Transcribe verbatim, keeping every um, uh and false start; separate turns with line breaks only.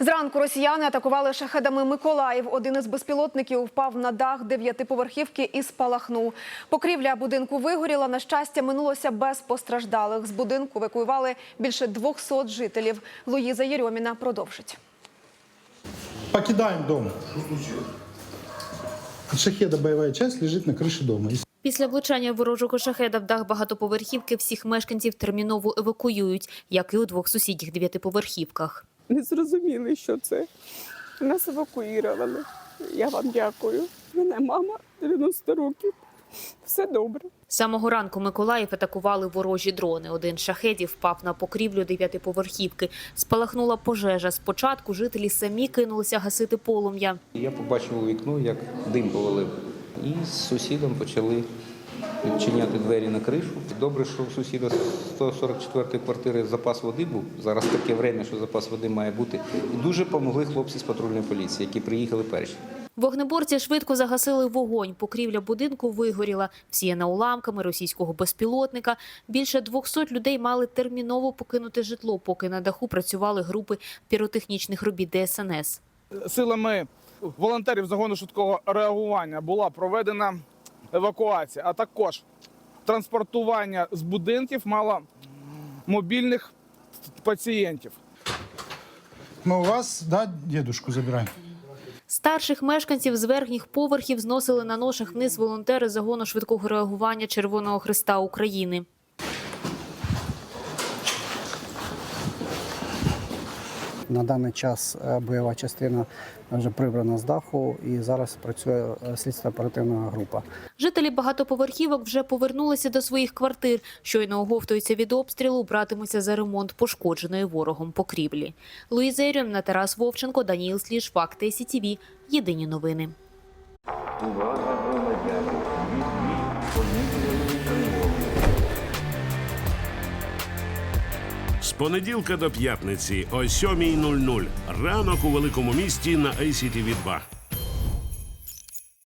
Зранку росіяни атакували шахедами Миколаїв. Один із безпілотників впав на дах дев'ятиповерхівки і спалахнув. Покрівля будинку вигоріла. На щастя, минулося без постраждалих. З будинку евакуювали більше двохсот жителів. Луїза Єрьоміна продовжить.
Покидаем дом. От шахеда боевая часть лежит на крыше дома.
Після влучання ворожого шахеда в дах багатоповерхівки всіх мешканців терміново евакуюють, як і у двох сусідніх дев'ятиповерхівках.
Не зрозуміли, що це. Нас евакуювали. Я вам дякую. Мене мама дев'яносто років. Все добре.
З самого ранку Миколаїв атакували ворожі дрони. Один з шахедів впав на покрівлю дев'ятиповерхівки. Спалахнула пожежа. Спочатку жителі самі кинулися гасити полум'я.
Я побачив у вікно, як дим повалив. І з сусідом почали відчиняти двері на кришу. Добре, що у сусіда з сто сорок четвертої квартири запас води був. Зараз таке время, що запас води має бути. І дуже допомогли хлопці з патрульної поліції, які приїхали перші.
Вогнеборці швидко загасили вогонь. Покрівля будинку вигоріла, всіяна уламками російського безпілотника. Більше двохсот людей мали терміново покинути житло, поки на даху працювали групи піротехнічних робіт Де Ес Ен Ес.
Силами волонтерів загону швидкого реагування була проведена евакуація, а також транспортування з будинків маломобільних пацієнтів.
Мы у вас, да, дедушку забираем?
Старших мешканців з верхніх поверхів зносили на ношах вниз волонтери загону швидкого реагування Червоного Хреста України.
На даний час бойова частина вже прибрана з даху і зараз працює слідчо-оперативна група.
Жителі багатоповерхівок вже повернулися до своїх квартир. Щойно оговтуються від обстрілу, братимуться за ремонт пошкодженої ворогом покрівлі. Луїза Єрьоміна, Тарас Вовченко, Даніїл Сліж, Факти Сі Ті Ві. Єдині новини.
Увага громадяни! Відбій повітряної тривоги.
З понеділка до п'ятниці о сьомій нуль нуль. Ранок у великому місті на Ай Сі Ті Ві два.